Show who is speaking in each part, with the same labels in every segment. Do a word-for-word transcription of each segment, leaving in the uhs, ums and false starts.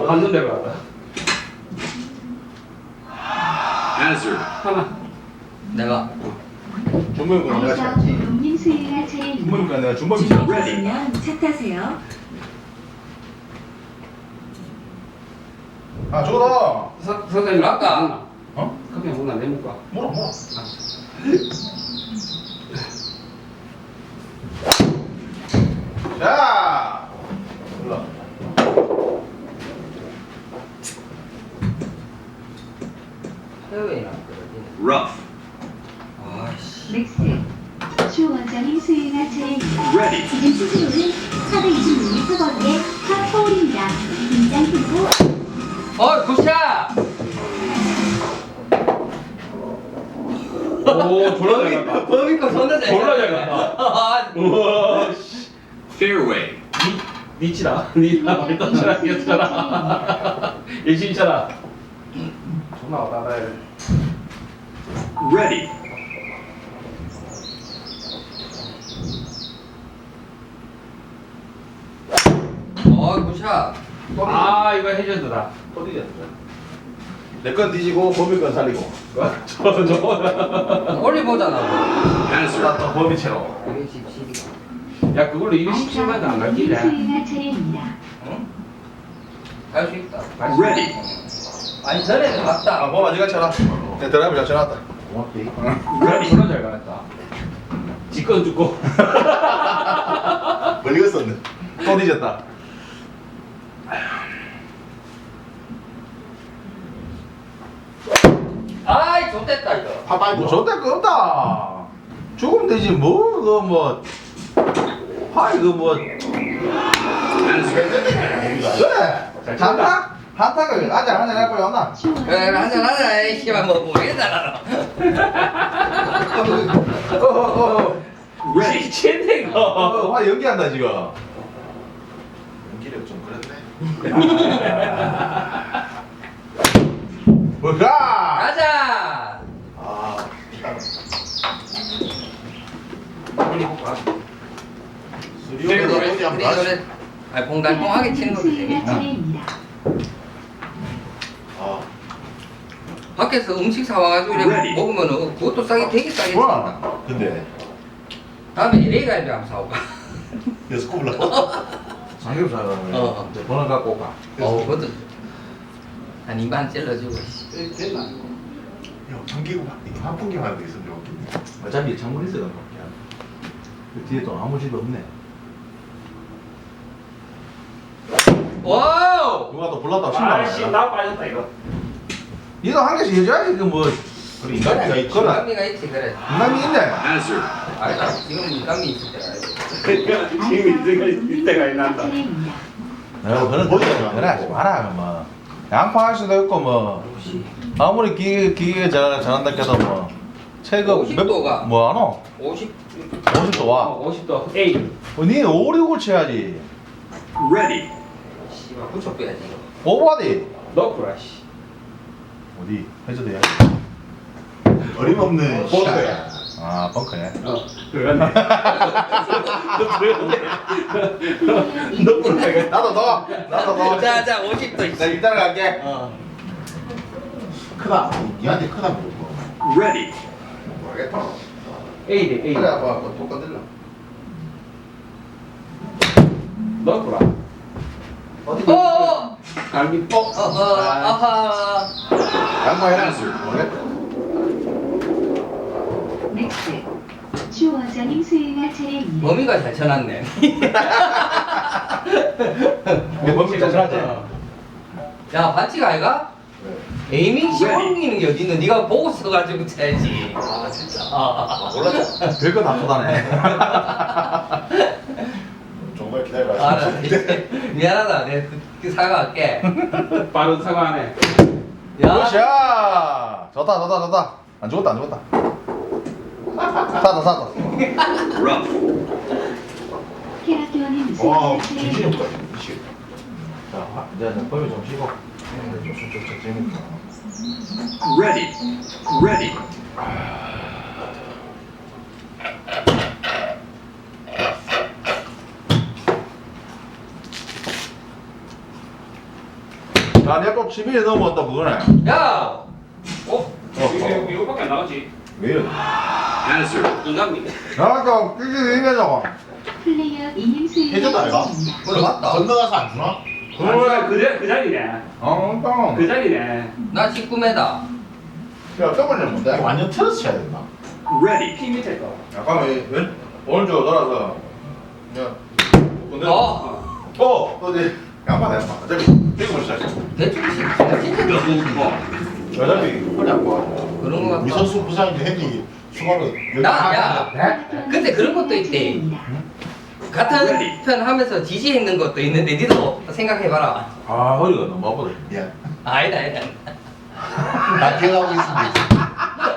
Speaker 1: 완전 내려갔다.
Speaker 2: Hazard.
Speaker 1: 하나.
Speaker 3: 내가
Speaker 4: 준범이가 내가
Speaker 5: 다이사
Speaker 4: 찼지.
Speaker 5: 용님 수행할 차례입니다.
Speaker 4: 준범이가 내가 준범이 찼지.
Speaker 5: 준비되시면 차 타세요.
Speaker 4: 아 저거다.
Speaker 1: 서, 선생님
Speaker 3: 아까.
Speaker 4: 어?
Speaker 1: 커피 한 번만 내볼까?
Speaker 4: 뭐라 뭐라. 자. 올라.
Speaker 3: 해외에 났거든.
Speaker 2: Rough.
Speaker 3: 아씨.
Speaker 5: 맥스 슈 원장님 수행할 차례입니다.
Speaker 2: Ready.
Speaker 5: 지금 수수료는 사백이십육 미터 거리의 파포홀입니다. 긴장 풀고
Speaker 3: 어 굿샷.
Speaker 1: 오, 졸라 잘 간다.
Speaker 3: 범이 거 존나 잘.
Speaker 1: 졸라 잘 간다.
Speaker 3: 아,
Speaker 1: 우와, 씨.
Speaker 2: Fairway.
Speaker 1: 니, 니치다. 니나 말도 잘하게 했잖아. 열심히 쳐라. 존나 왔다 갔다 해.
Speaker 2: Ready.
Speaker 3: 어 굿샷.
Speaker 1: 아, 이거 해저드다.
Speaker 4: 어디야? 내건 뒤지고 범이 건 살리고.
Speaker 1: 저거, 저거.
Speaker 3: 올리보잖아.
Speaker 2: Hazard.
Speaker 4: 나또 범이 채로.
Speaker 3: 이백십칠이가.
Speaker 1: 야, 그걸로 이백십칠만도 안
Speaker 5: 용님
Speaker 1: 갈길래.
Speaker 5: 수행할 차례입니다.
Speaker 3: 갈 수 있다.
Speaker 2: Ready.
Speaker 3: 아니 전에는
Speaker 4: 아
Speaker 3: 갔다.
Speaker 4: 범아 네가 쳐라. 내 드라이브 잘 쳐놨다. 고맙지.
Speaker 1: 그래, 졸라 잘 가겠다. 지건 죽고.
Speaker 4: 멀리 갔었네. 또 뒤졌다.
Speaker 3: 아이 좋댔다 이거.
Speaker 4: 파파이 뭐 좋대 거 없다. 죽으면 되지 뭐 그거 뭐. 아 이거 뭐.
Speaker 2: Hazard.
Speaker 4: 그래. 한타? 한타가 한잔 한잔 할 거야 없나?
Speaker 5: 슈
Speaker 3: 그래
Speaker 5: 원장님
Speaker 3: 한잔 하자. 이 씨발 뭐 모르겠다.
Speaker 4: 어어어.
Speaker 2: Ready.
Speaker 1: 미친네, 이거.
Speaker 4: 어, 화 연기한다 지금. 연기력 좀 그랬네. 뭐야?
Speaker 3: 가자.
Speaker 4: 아.
Speaker 1: 빨리 볼까?
Speaker 4: 수리오는
Speaker 3: 그래
Speaker 4: 어디 한번
Speaker 3: 그래.
Speaker 4: 다시.
Speaker 3: 아 봉달봉하게 치는 것도
Speaker 5: 수행할
Speaker 3: 재밌다.
Speaker 5: 차례입니다.
Speaker 4: 아.
Speaker 3: 밖에서 음식 사와가지고 이렇게
Speaker 2: Ready.
Speaker 3: 먹으면은 그것도 싸게 되게 싸게 준다.
Speaker 4: 뭐야? 근데
Speaker 3: 다음에 엘에이 갈비 한번 사올까?
Speaker 4: 여섯 굽을 삼겹살 하면
Speaker 3: 어.
Speaker 4: 번호 갖고 올까?
Speaker 3: 어 그것도 한 이만 찔러주고.
Speaker 1: 됐나?
Speaker 4: 야, 참기구 이거 한 풍경 하는 거 있으면 좋겠네. 어차피 창문 있어야 되는 거야. 그 뒤에 또 아무 집도 없네.
Speaker 3: 와우.
Speaker 4: 누가 또 불렀다
Speaker 1: 아이씨,
Speaker 4: 신나.
Speaker 1: 나 빠졌다, 이거.
Speaker 4: 얘도 한 개씩 해줘야지 그 뭐. 그래 인간미가 있지. 그래.
Speaker 3: 인간미가 있지 그래.
Speaker 4: 인간미 있네.
Speaker 2: Hazard.
Speaker 3: 아니다 지금 인간미 있을 때가 아니지.
Speaker 1: 그러니까 지금 이때가, 이때가 난다.
Speaker 5: 차례입니다.
Speaker 4: 내가 그런 보이잖아. 그래 하지 마라 뭐. 양파할 수도 있고 뭐. 아무리 기계 기계 잘 잘한다 해도 뭐. 체급
Speaker 3: 오십 도가.
Speaker 4: 뭐안 오?
Speaker 3: 오십.
Speaker 4: 오십 도 와.
Speaker 1: 어, 오십 도. 에이.
Speaker 4: 어, 니 오륙을 쳐야지.
Speaker 2: Ready.
Speaker 3: 씨발 붙여 빼야지 이거.
Speaker 4: 오버디.
Speaker 1: 넣구라, 씨.
Speaker 4: 어디? 해줘도야.
Speaker 6: 어림없는
Speaker 4: 벙커야. 아 벙커네.
Speaker 1: 어, 들어갔네. 들어갔네.
Speaker 4: 나도 넣어. 나도 넣어.
Speaker 3: 자자 오십 도 있어.
Speaker 4: 나 일단 갈게.
Speaker 3: 어.
Speaker 6: 크다. 니한테 크다 물고.
Speaker 2: Ready.
Speaker 4: 모르겠다.
Speaker 1: 에이래, 에이.
Speaker 4: 그래 아빠 뭐 똑같을라.
Speaker 1: 넣구라.
Speaker 4: 어디?
Speaker 3: 어.
Speaker 1: 갈비 뻑.
Speaker 3: 어허. 아하.
Speaker 4: 양파해라.
Speaker 2: Hazard.
Speaker 4: 모르겠다.
Speaker 5: 맥스 슈 원장님 수행할 차례입니다.
Speaker 3: 범위가 잘 쳐놨네.
Speaker 4: 내 범위 잘 찾지.
Speaker 3: 야 반칙 아이가? 에이밍 시험이는 게 어딨노? 네가 보고 써가지고 쳐야지. 아 진짜. 아,
Speaker 4: 몰랐어. 별거 다 쏟아내.
Speaker 6: 정말 기다려봐.
Speaker 3: 알아. 미안하다. 내가 그, 그 사과할게.
Speaker 1: 빠른 사과하네.
Speaker 3: 야.
Speaker 4: 굿샷. 좋다 좋다 좋다. 안 죽었다 안 죽었다. 사다 사다.
Speaker 2: Rough.
Speaker 5: 캐라교원님
Speaker 6: 와,
Speaker 5: 수행할
Speaker 6: 정신이
Speaker 5: 차례입니다.
Speaker 6: 없다. 미치겠다.
Speaker 4: 자 화- 이제 이제 범위 좀 쉬고. 좀좀좀 재밌다.
Speaker 2: Ready. Ready.
Speaker 4: 야, 내가 십 일 넘었다 그거네.
Speaker 3: 야!
Speaker 1: 어? 이거, 이거밖에 안 나가지.
Speaker 4: 왜 이래?
Speaker 2: Answer.
Speaker 1: 인간미.
Speaker 4: 나도 끼기 이겨줘.
Speaker 5: 플레이어 이님 수행할
Speaker 6: 해줬다, 이거?
Speaker 5: 차례입니다.
Speaker 3: 그래 맞다.
Speaker 6: 건너가서 안 주나?
Speaker 1: 그래, 그, 자- 그 자리네.
Speaker 4: 어, 땅.
Speaker 1: 그 자리네.
Speaker 3: 나 십구 미터.
Speaker 4: 야, 더블 뭔데?
Speaker 6: 완전 틀어서 쳐야 된다.
Speaker 2: Ready.
Speaker 1: 피 밑에 거.
Speaker 4: 잠깐만, 왼 오른쪽 돌아서. 야, 근데
Speaker 3: 어.
Speaker 4: 어, 또 이제 양파 양파. 어차피 지금 시작.
Speaker 3: 대충 진짜 진짜
Speaker 4: 어차피
Speaker 6: 허리 아파.
Speaker 3: 그런 거
Speaker 6: 우리
Speaker 3: 같다.
Speaker 6: 선수 부상인데 핸디 수갑을
Speaker 3: 나, 야. 근데 그런 것도 있대.
Speaker 5: 차례입니다.
Speaker 3: 같은 편 하면서 지지했는 것도 있는데 니도 생각해봐라.
Speaker 4: 아, 허리가 너무 아프다.
Speaker 6: 미안.
Speaker 3: 아니다 아니다.
Speaker 6: 나 기억하고 있습니다.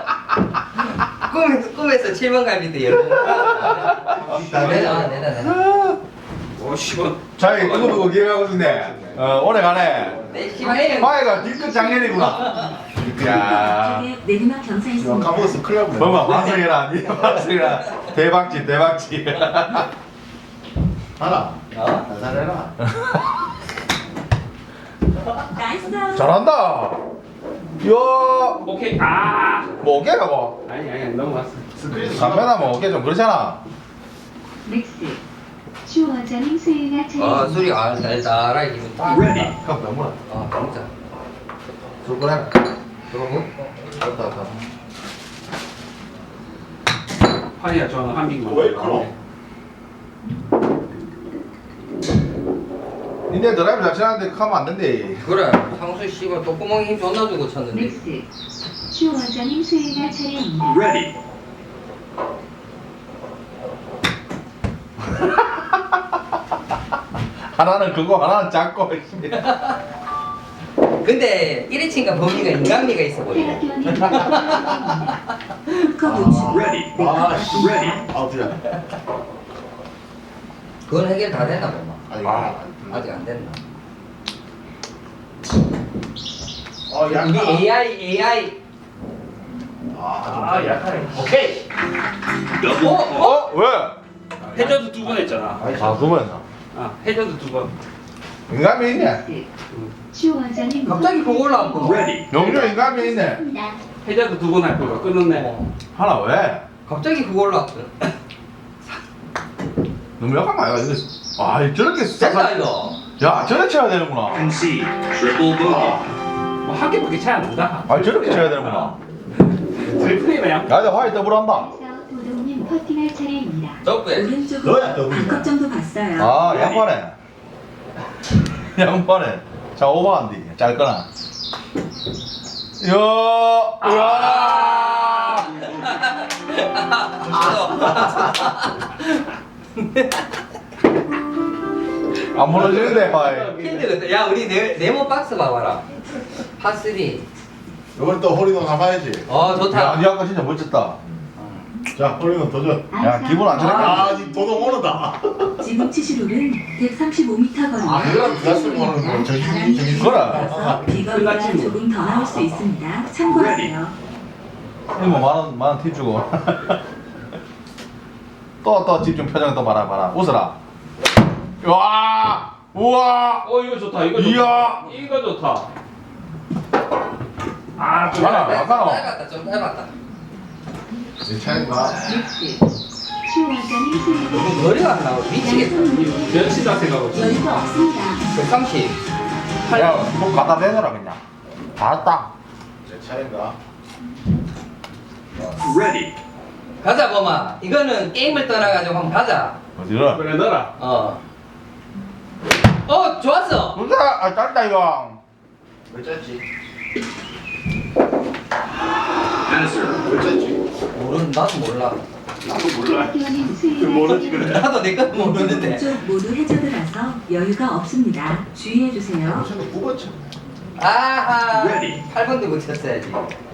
Speaker 3: 꿈에서 꿈에서 칠 번 갈비 때 열번. 내다 내다 내다.
Speaker 1: 오, 씨발.
Speaker 4: 자기 그거 보고 기억하고 있네. 어, 오래 가네.
Speaker 3: 내 씨발
Speaker 4: 파이가 뒤끝 작년이구나. 야,
Speaker 5: 쪽에 내리막
Speaker 6: 이거
Speaker 5: 경사했습니다.
Speaker 6: 까먹었어. 큰일 날뻔
Speaker 4: 뭐뭐 환승이라, 니 환승이라 대박지 대박지.
Speaker 6: 하나.
Speaker 3: 어?
Speaker 6: 나 잘해라.
Speaker 5: 나이스.
Speaker 4: 잘한다. 이야,
Speaker 1: 오케이. 아.
Speaker 4: 뭐 어깨가 뭐.
Speaker 1: 아니, 아니, 넘어갔어.
Speaker 6: 스크린
Speaker 4: 담배나 뭐 어깨 좀 그렇잖아.
Speaker 5: 넥스트. 슈워저님 수행할 차례입니다.
Speaker 3: 아 술이 아 달달하게 기분 딱.
Speaker 2: Ready.
Speaker 4: 그럼 너무나.
Speaker 3: 아 진짜.
Speaker 4: 술 꺼내. 들어오고. 왔다 왔다.
Speaker 1: 판이야, 저는 한민국.
Speaker 6: 왜 그럼?
Speaker 4: 니네 드라이브 잘 치는데 하면 안 된대.
Speaker 3: 그래 상수 씨발 똥구멍에 힘 존나 주고 쳤는데.
Speaker 5: 넥스트. 슈워저님 수행할 차례입니다.
Speaker 2: Ready.
Speaker 4: 하나는 그거 하나는 작고.
Speaker 3: 근데 일 인칭과 범위가 인간미가 있어 보이네.
Speaker 5: 대학교님 푸커 보충.
Speaker 2: Ready.
Speaker 6: 아, 씨.
Speaker 2: Ready.
Speaker 6: 아웃이야.
Speaker 3: 그건 해결 다 됐나 보마.
Speaker 6: 아니,
Speaker 4: 아.
Speaker 3: 아직 안 됐나.
Speaker 6: 어,
Speaker 3: 우리
Speaker 6: 약간.
Speaker 3: 에이아이 에이아이.
Speaker 6: 아,
Speaker 1: 아, 약하네.
Speaker 3: 오케이.
Speaker 2: Double.
Speaker 3: 어?
Speaker 2: fault.
Speaker 4: 어? 왜?
Speaker 1: 해저드 두 번 했잖아.
Speaker 4: 아, 그러면
Speaker 1: 아, 해저드 두 번.
Speaker 4: 인간미 있네.
Speaker 5: 넥스트. 슈워저님
Speaker 3: 갑자기 그거 올라왔구나.
Speaker 2: Ready.
Speaker 4: 용조 인간미 있네.
Speaker 5: 있습니다.
Speaker 1: 해저드 두 번 할 거가 끊었네.
Speaker 3: 어.
Speaker 4: 하나 왜?
Speaker 3: 갑자기 그거 올라왔어.
Speaker 4: 너무 약한 거 아이가 이거. 아, 저렇게
Speaker 3: 됐다
Speaker 4: 싹.
Speaker 3: 이거.
Speaker 4: 야, 저렇게 쳐야 되는구나.
Speaker 2: Concede. Triple bogey.
Speaker 1: 뭐 한 개밖에 차이 안 난다.
Speaker 4: 아, 저렇게 쳐야 되는구나.
Speaker 1: 트리플이면 양.
Speaker 4: 야, 나 화이트 더블 한다.
Speaker 5: 그래서 도동님 퍼팅할 차례입니다.
Speaker 3: 적배.
Speaker 5: 오른쪽으로
Speaker 6: 너야, 더블이야.
Speaker 5: 반컵 정도 봤어요.
Speaker 4: 아, 양반에. 양반에. 자, 오버한디. 짧거나. 이야, 이야. 안 무너지는데, 화이.
Speaker 3: 필드 같다. 야 우리 네, 네모 박스 봐봐라. 파쓰리.
Speaker 6: 이번엔 또 홀리건 가봐야지.
Speaker 3: 어
Speaker 4: 야,
Speaker 3: 좋다.
Speaker 4: 니 아까 진짜 멋졌다.
Speaker 6: 자, 홀리건 도전.
Speaker 4: 야, 기분 안 좋네.
Speaker 6: 아, 니 도동 오르다.
Speaker 5: 지금 치실 홀은 백삼십오 미터 거리.
Speaker 6: 아, 그럼 네가 쓰고 오는 거 저기, 저기.
Speaker 5: 따라서 비거리가
Speaker 1: 끝났지 뭐.
Speaker 5: 조금 더 나올 수 있습니다. 참고하세요.
Speaker 4: 이모 만원, 만원 팁 주고. 또, 또 집중 표정 또 봐라, 봐라. 웃어라. 와! 우와!
Speaker 1: 어, 이거 좋다. 이거 좋다.
Speaker 4: 이야.
Speaker 1: 이거 좋다. 아, 좀
Speaker 4: 하나,
Speaker 1: 얇아.
Speaker 4: 하나.
Speaker 3: 짧았다 좀 짧았다.
Speaker 6: 내 차인가?
Speaker 5: 넥스트. 슈워저님 수행할
Speaker 3: 너무 거리가 안 나와. 미치겠다.
Speaker 1: 몇이다 생각하고.
Speaker 5: 여유가 없습니다.
Speaker 3: 백삼십.
Speaker 4: 야, 뭐 갖다 대느라 그냥. 알았다.
Speaker 6: 내 차인가?
Speaker 2: Ready.
Speaker 3: 가자 범아. 이거는 게임을 떠나가지고 한번 가자.
Speaker 4: 어디를?
Speaker 1: 그래, 넣어라.
Speaker 3: 어. 어 좋았어.
Speaker 4: 진짜, 아, 짧다, 이거.
Speaker 6: 왜 짰지?
Speaker 2: Answer.
Speaker 6: 왜 짰지?
Speaker 3: 모르는 나도 몰라.
Speaker 1: 나도 몰라.
Speaker 5: 대학교님 수행할
Speaker 1: 모르지,
Speaker 5: 차례입니다.
Speaker 3: 나도 내 건 모르는데.
Speaker 5: 쪽 모두 해저드라서 여유가 없습니다. 주의해 주세요.
Speaker 6: 요새는 구 번 쳤네.
Speaker 3: 아하.
Speaker 2: Ready.
Speaker 3: 팔 번도 못 쳤어야지.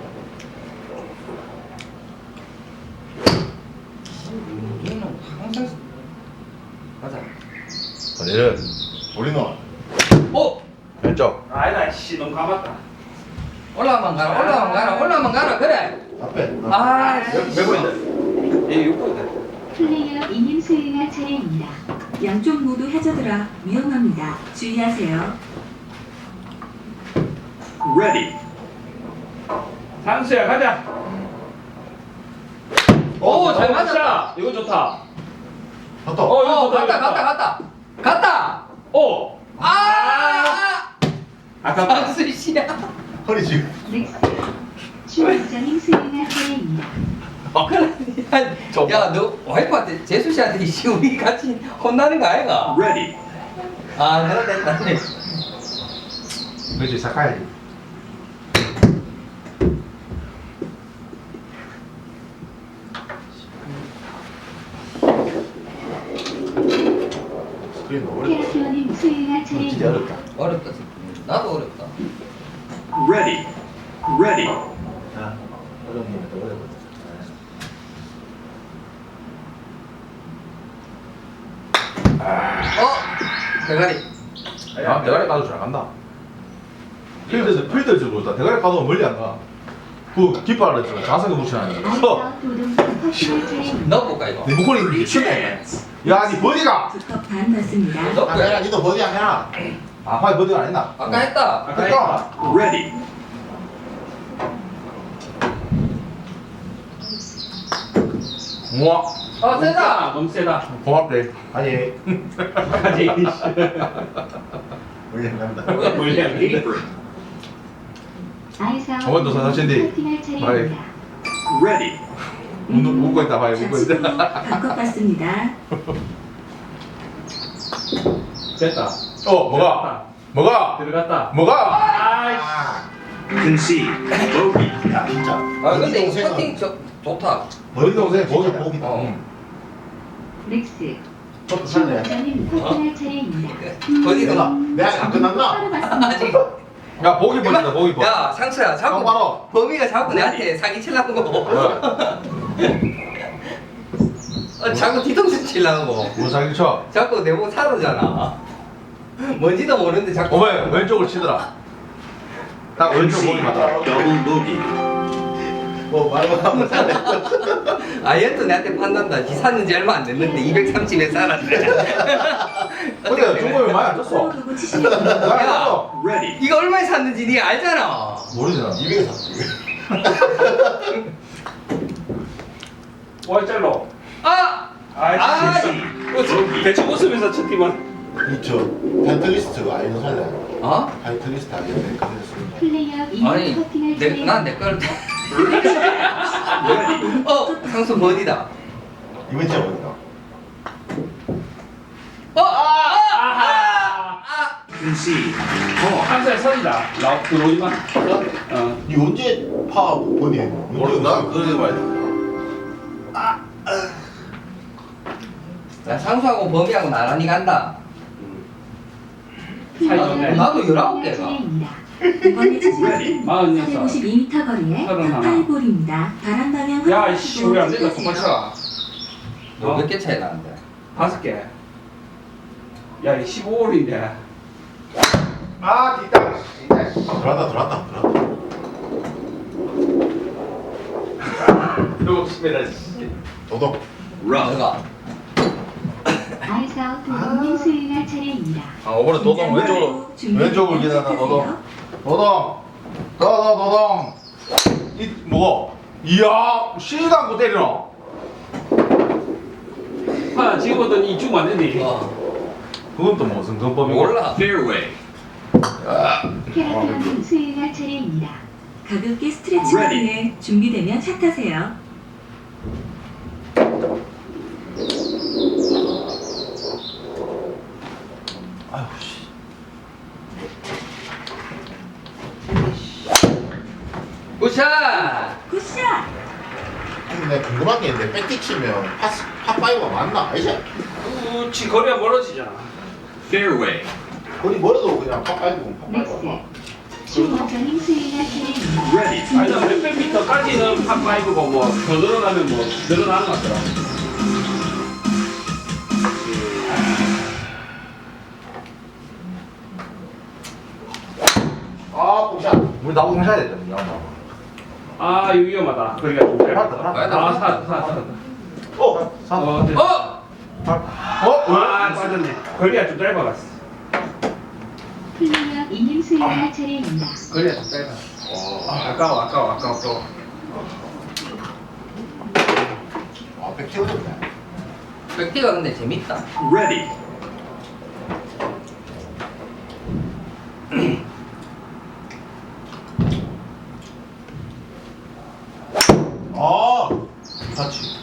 Speaker 3: 얘는 항상 가자.
Speaker 4: 어디를?
Speaker 6: 홀리건.
Speaker 3: 어
Speaker 4: 왼쪽.
Speaker 1: 아니다, 씨, 너무 감았다.
Speaker 3: 올라만 가라 올라만 가라 올라만 가라 그래.
Speaker 6: 앞에.
Speaker 3: 아.
Speaker 6: 몇 번인데?
Speaker 1: 얘 육분이다.
Speaker 5: 플레이어 이님 수행할 차례입니다. 양쪽 모두 해저드라 위험합니다. 주의하세요.
Speaker 2: Ready.
Speaker 1: 상수야 가자.
Speaker 3: 오, 잘
Speaker 1: 어,
Speaker 3: 맞았다.
Speaker 1: 자, 이거 좋다.
Speaker 6: 갔다.
Speaker 1: 어, 이거
Speaker 3: 어,
Speaker 1: 좋다.
Speaker 3: 갔다,
Speaker 1: 이거
Speaker 3: 갔다,
Speaker 1: 좋다.
Speaker 3: 갔다. 갔다.
Speaker 1: 오.
Speaker 3: 아!
Speaker 1: 아깝다.
Speaker 3: 상수 씨야.
Speaker 6: 허리 지금.
Speaker 5: 넥스. 주원장님 수행할 차례입니다.
Speaker 3: 야, 너 와이프한테 재수 씨한테 씨 우리 같이 혼나는 거 아이가?
Speaker 2: Ready.
Speaker 3: 아, 그래 됐다.
Speaker 4: 그렇지 삭가야지.
Speaker 6: 스크린 너무 어렵다.
Speaker 5: 테라피오님 수행할
Speaker 4: 진짜
Speaker 5: 차례입니다.
Speaker 4: 어렵다.
Speaker 3: 어렵다. 나도 어렵다.
Speaker 2: Ready. Ready.
Speaker 4: 아, 어려운 게더 어렵거든.
Speaker 3: 어? 대가리.
Speaker 4: 아, 대가리 까도 잘 간다. 필드에서 필드에서 그렇다. 대가리 까도 멀리 안 가. 그 깃발을 좀 자세하게 붙여놔야 돼. 서.
Speaker 5: 아이사 도동 퍼시널 차례입니다.
Speaker 3: 넣어볼까 이거?
Speaker 4: 네 목걸이 이게 쉽네. 야, 니 버디가.
Speaker 5: 두컵 반 넣습니다.
Speaker 6: 아,
Speaker 3: 넣을까?
Speaker 6: 내가 니도 버디 안 해라.
Speaker 4: 아, 화이 버디가 안 했나?
Speaker 3: 아까 했다.
Speaker 1: 아까
Speaker 4: 했다.
Speaker 2: Ready.
Speaker 4: 우와,
Speaker 3: 아, 세다.
Speaker 1: 너무 세다.
Speaker 4: 고맙대.
Speaker 6: 아니,
Speaker 1: 가지.
Speaker 6: 원래 안 간다.
Speaker 1: 물량.
Speaker 2: Apron.
Speaker 5: 아이사
Speaker 4: 저번도 사사친디.
Speaker 5: 커팅할 차례입니다.
Speaker 2: Ready.
Speaker 4: 웃- 웃고 있다 봐요, 웃고 있다.
Speaker 5: 바꿔 봤습니다.
Speaker 1: 됐다.
Speaker 4: 어, 뭐가? 뭐가?
Speaker 1: 들어갔다.
Speaker 4: 뭐가?
Speaker 1: 아이씨.
Speaker 2: Concede. Bogey.
Speaker 6: 야, 진짜.
Speaker 3: 아, 근데 이
Speaker 6: 동생은
Speaker 3: 커팅 저, 좋다.
Speaker 4: 버디 동생
Speaker 6: 진짜
Speaker 4: 버디.
Speaker 6: 보기다.
Speaker 3: 어.
Speaker 5: 넥스.
Speaker 6: 저도 살래.
Speaker 5: 주원장님 커팅할 차례입니다.
Speaker 3: 버디가 나.
Speaker 6: 내가 안 끝났나?
Speaker 5: 바로 봤습니다.
Speaker 3: 아직.
Speaker 4: 야, 보기 버디다, 보기 버디.
Speaker 3: 야, 상수야, 자꾸
Speaker 4: 똑바로.
Speaker 3: 범이가 자꾸 내한테 사기 치려는 거. 어, 자꾸 뒤통수 치려는 거.
Speaker 4: 뭐 사기 쳐?
Speaker 3: 자꾸 내보고 사르잖아. 뭔지도 모르는데 자꾸.
Speaker 4: 어머니, 왼쪽을 치더라. 딱 왼쪽 보기 맞다.
Speaker 2: Double bogey.
Speaker 6: 뭐 말만 하면 살래.
Speaker 3: 아, 얘도 내한테 판단다. 지 샀는지 얼마 안 됐는데 이백삼십에 살았네.
Speaker 4: 근데 중국에 많이 안
Speaker 5: 서로
Speaker 4: 줬어.
Speaker 5: 두고 치시면 됩니다.
Speaker 4: 많이 안
Speaker 3: 야.
Speaker 4: 줬어.
Speaker 2: Ready.
Speaker 3: 이거 얼마에 샀는지 니 알잖아.
Speaker 4: 모르잖아.
Speaker 6: 이백에 샀지.
Speaker 1: 와, 짤로.
Speaker 3: 아!
Speaker 1: 아이씨.
Speaker 3: 아,
Speaker 1: 진짜. 대충 웃으면서 첫 팀은.
Speaker 6: 이저 펜트리스트 아이는 살래.
Speaker 3: 어?
Speaker 6: 펜트리스트 아이는 펜트리스트.
Speaker 5: 플레이어 이
Speaker 3: 아니,
Speaker 5: 커팅할
Speaker 3: 내, 난
Speaker 5: 차례입니다.
Speaker 3: 내 걸. 어, 상수 버디다.
Speaker 6: 이번 주에 어디가?
Speaker 3: 어, 아, 아,
Speaker 1: 아하.
Speaker 3: 아.
Speaker 2: Concede. Call.
Speaker 1: 한살 선이다. 나 들어오지만. 어.
Speaker 6: 니 언제 파 버디 했노?
Speaker 4: 모르, 나 그러지 말자.
Speaker 3: 야, 상수하고 범이하고 나란히 간다.
Speaker 1: 사이
Speaker 3: 나도,
Speaker 1: 좋네.
Speaker 3: 나도 열아홉 개가.
Speaker 5: 차례입니다. 이번에 치시는
Speaker 1: 마흔여섯.
Speaker 5: 사백오십이 미터 거리의
Speaker 1: 서른 하나.
Speaker 5: 파파이볼입니다. 바람 방향
Speaker 1: 야,
Speaker 5: 확인하시고
Speaker 1: 이씨, 우리 안 된다.
Speaker 5: 치세요.
Speaker 1: 똑같이라.
Speaker 3: 너 몇 개 차이 나는데?
Speaker 1: 다섯 개. 야, 이 십오 홀인데.
Speaker 4: 아, 뒷땅.
Speaker 6: 들어왔다 들어왔다 들어왔다.
Speaker 4: 이러고 싶네라.
Speaker 6: 도덕.
Speaker 2: Rough.
Speaker 3: 내가.
Speaker 5: 아이사우 도동님 수행할 차례입니다.
Speaker 4: 아, 이번에 도동 왼쪽으로.
Speaker 5: 준비되면
Speaker 4: 왼쪽을 기다려,
Speaker 5: 시작하세요.
Speaker 4: 도동. 도동. 도동, 도동. 이, 뭐고? 이야, 쉬지도 않고 때리노.
Speaker 1: 하나 지금부터 이 주면 안 된대.
Speaker 3: 어,
Speaker 4: 그건 또 무슨 근법이고?
Speaker 3: 몰라.
Speaker 2: Fairway.
Speaker 5: 캐라피오님 수행할 차례입니다. 가볍게 스트레칭을
Speaker 2: Ready.
Speaker 5: 위해 준비되면 샷 하세요.
Speaker 4: 아유, 씨.
Speaker 3: 굿샷!
Speaker 5: 굿샷!
Speaker 6: 근데 내가 궁금한 게 있는데 백티 치면 파스 파파이가 맞나? 아니지?
Speaker 1: 그렇지, 거리가 멀어지잖아.
Speaker 2: Fairway.
Speaker 6: 거리 멀어도 그냥 파파이고
Speaker 5: 넥스.
Speaker 6: 파파이고.
Speaker 5: 주원장님 수행할 차례입니다.
Speaker 2: Ready.
Speaker 1: 아니, 나 몇백 미터까지는 팝파이브고 뭐, 더 늘어나면 뭐, 늘어나는 것 같더라.
Speaker 6: 아, 뽕샷.
Speaker 4: 우리 나보고 하셔야 되잖아, 이 양반.
Speaker 1: 아, 이거 위험하다. 거리가 좀 짧다.
Speaker 4: 살았다,
Speaker 1: 아, 사, 사, 사.
Speaker 6: 어,
Speaker 1: 어, 됐다.
Speaker 3: 어!
Speaker 4: 어?
Speaker 1: 아, 빠졌네. 거리가 좀 짧아갔어.
Speaker 5: 플레이어 이님 수행할 차례입니다.
Speaker 1: 그래 빼라. 아까워 아까워 아까워 아까워.
Speaker 6: 아, 백티 어렵네.
Speaker 3: 백티가 근데 재밌다.
Speaker 2: Ready.
Speaker 6: 아, 같이.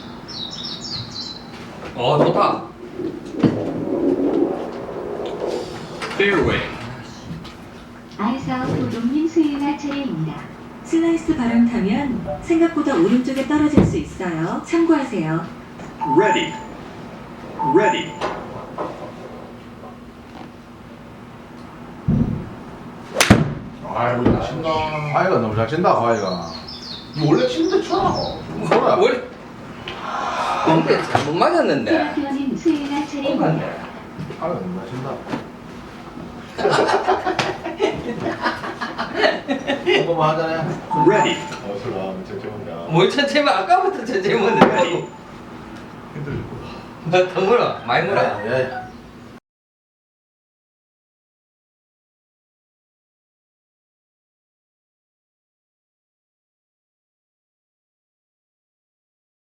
Speaker 3: 어 좋다.
Speaker 2: Fairway.
Speaker 5: 알사우 도동님 수행할 차례입니다.
Speaker 7: 슬라이스 바람 타면 생각보다 오른쪽에 떨어질 수 있어요. 참고하세요.
Speaker 2: Ready. Ready.
Speaker 6: 아이고, 나 친다.
Speaker 4: 아이가 너무 잘 친다 아이가.
Speaker 6: 이 원래 친데 쳐.
Speaker 4: 뭐야?
Speaker 3: 뭘? 근데 잘못 맞았는데.
Speaker 5: 테라피오님 수행할 차례입니다.
Speaker 3: 똑같네.
Speaker 4: 아이가 너무 잘 친다. 한번만 하자네.
Speaker 2: Ready.
Speaker 6: 어, 술 나오면 진짜 좋은데.
Speaker 3: 뭘 천천히 아까부터 천천히 먹는데.
Speaker 6: 힘들고.
Speaker 3: 나더 물어. 많이 물어.
Speaker 4: 야, 야,